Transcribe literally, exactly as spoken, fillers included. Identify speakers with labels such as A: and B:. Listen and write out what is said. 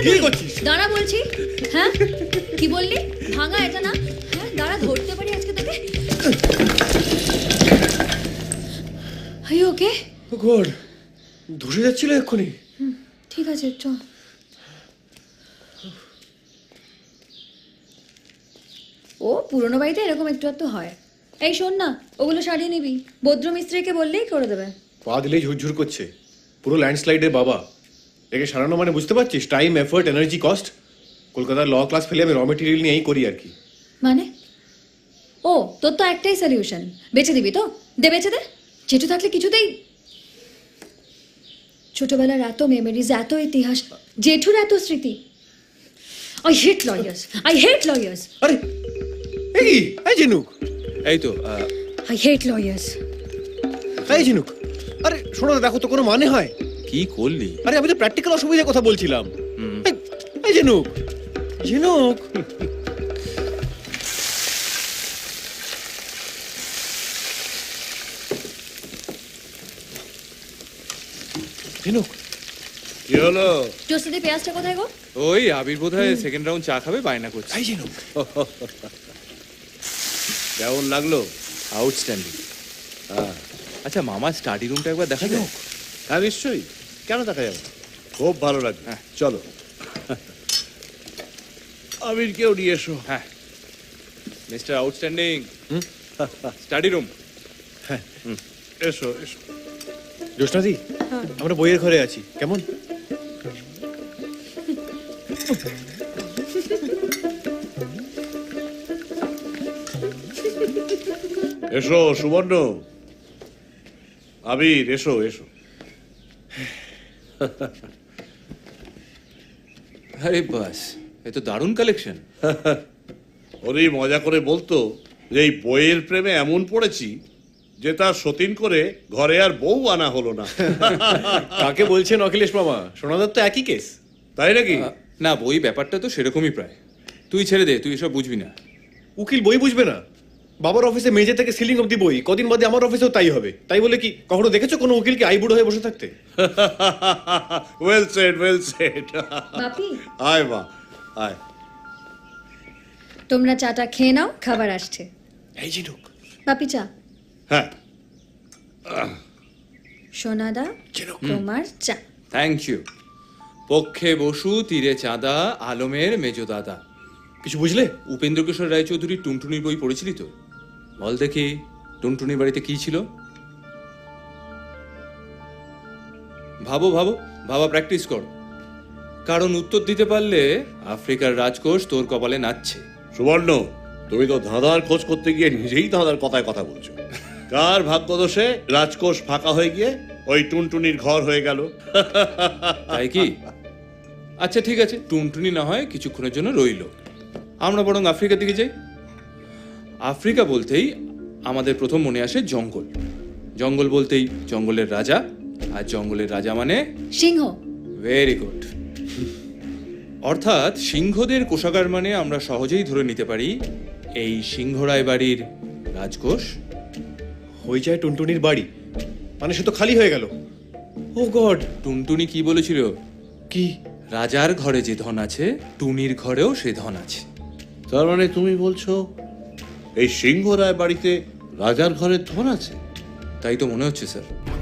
A: কি করছিস?
B: দাঁড়া বলছি। হ্যাঁ কি বললি? ভাঙা এটা না? হ্যাঁ দাঁড়া ধরতে পারি আজকে তোকে। I okay?
A: ও গড, ধসে যাচ্ছিল এক্ষুনি।
B: ঠিক আছে চ। ও পুরোনো বাড়িতে এরকম একটু একটু হয়। এই শোন না, ওগুলো সারিয়ে নিবি, বদ্র মিস্ত্রিকে বললেই করে দেবে।
A: পা দিলেই ঝুরঝুর করছে, পুরো ল্যান্ডস্লাইডের বাবা। একে সারানো মানে বুঝতে পারছিস? Time, effort, energy, cost. কলকাতার ল ক্লাস ফেলে আমি র মেটেরিয়াল নিয়েই করি আর কি।
B: মানে ও তোর তো একটাই সলিউশন, বেচে দিবি তো? দে বেচে দে। জেঠু থাকলে কিছুতেই। ছোটবেলার এত মেমোরিজ, এত ইতিহাস, জেঠুর এত স্মৃতি। I hate lawyers, I hate lawyers.
A: আরে এই এই ঝিনুক,
C: এই তো
B: আই হেট লয়ার্স।
A: এই ঝিনুক, আরে শোনো না, দেখো তো কোনো মানে হয়?
C: কি করলি?
A: আরে আমি তো প্র্যাকটিক্যাল অসুবিধার কথা বলছিলাম। এই- এই ঝিনুক, ঝিনুক। ঝিনুক,
C: কি হলো?
B: টোস্টাদি পেঁয়াজটা কোথায় গো?
C: ওই আবির বোধহয় সেকেন্ড রাউন্ড চা খাবে, বায়না করছে।
A: এই ঝিনুক।
C: কেমন লাগলো? আউটস্ট্যান্ডিং। আচ্ছা মামা স্টাডি রুমটা একবার দেখা যাও।
D: হ্যাঁ নিশ্চয়ই, কেন দেখা যাবে, খুব ভালো লাগবে।
C: হ্যাঁ।
D: চলো আমির কেউ নিয়ে এসো।
C: হ্যাঁ মিস্টার আউটস্ট্যান্ডিং, স্টাডি রুম।
D: এসো এসো।
A: জ্যোৎস্নাদি, আমরা বইয়ের ঘরে আছি, কেমন?
D: এসো সুবর্ণ, আবির এসো এসো।
C: আরে বাস, এ তো দারুণ কালেকশন।
D: ওরই মজা করে বলতো যে এই বইয়ের প্রেমে এমন পড়েছি যে তার সতীন করে ঘরে আর বউ আনা হলো না।
A: কাকে বলছেন অখিলেশ মামা? সোনাদার তো একই কেস।
D: তাই নাকি?
C: না বই ব্যাপারটা তো সেরকমই প্রায়। তুই ছেড়ে দে, তুই এসব বুঝবি না।
A: উকিল বই বুঝবে না? বাবার অফিসে মেজে থেকে সিলিং অব্দি বই, কদিন বাদে আমার অফিসেও তাই হবে। তাই বলে কি কখনো দেখেছো কোনো উকিলকে আইবুড়ো হয়ে বসে থাকতে?
D: Well said, well said.
B: Bapi
D: আয় মা আয়।
B: তোমরা চাটা খেয়ে নাও, খাবার আসছে।
A: এই ঝিনুক।
B: বাপি চা।
D: হ্যাঁ
B: সোনাদা
A: ঝিনুক।
B: তোমার চা।
C: Thank you. পক্ষে বসু তীরে চাঁদা, আলমের মেজো দাদা।
A: কিছু বুঝলে?
C: উপেন্দ্র কিশোর রায়চৌধুরীর টুনটুনির বই পড়েছিলি তো? বল দেখি টুনটুনির বাড়িতে কি ছিল? ভাবো ভাবো, ভাবা প্র্যাকটিস কর। কারণ উত্তর দিতে পারলে আফ্রিকার রাজকোষ তোর কপালে নাচছে।
D: সুবর্ণ, তুমি তো ধাঁধার খোঁজ করতে গিয়ে নিজেই ধাঁধার কথায় কথা বলছো। কার ভাগ্যদোষে রাজকোষ ফাঁকা হয়ে গিয়ে ওই টুনটুনির ঘর হয়ে গেল?
C: তাই কি? আচ্ছা ঠিক আছে, টুনটুনি না হয় কিছুক্ষণের জন্য রইল। আমরা বরং আফ্রিকার দিকে যাই। আফ্রিকা বলতেই আমাদের প্রথম মনে আসে জঙ্গল। জঙ্গল বলতেই জঙ্গলের রাজা, আর জঙ্গলের রাজা মানে
B: সিংহ।
C: Very good. অর্থাৎ সিংহদের কোষাগার মানে আমরা সহজেই ধরে নিতে পারি এই সিংহরায় বাড়ির রাজকোষ।
A: হয়ে যায় টুনটুনির বাড়ি, মানে সে তো খালি হয়ে গেল। Oh God.
C: টুনটুনি কি বলেছিল?
A: কি?
C: রাজার ঘরে যে ধন আছে, টুনির ঘরেও সে ধন আছে।
D: তার মানে তুমি বলছো এই সিংহ রায় বাড়িতে রাজার ঘরে ধন আছে?
C: তাই তো মনে হচ্ছে স্যার।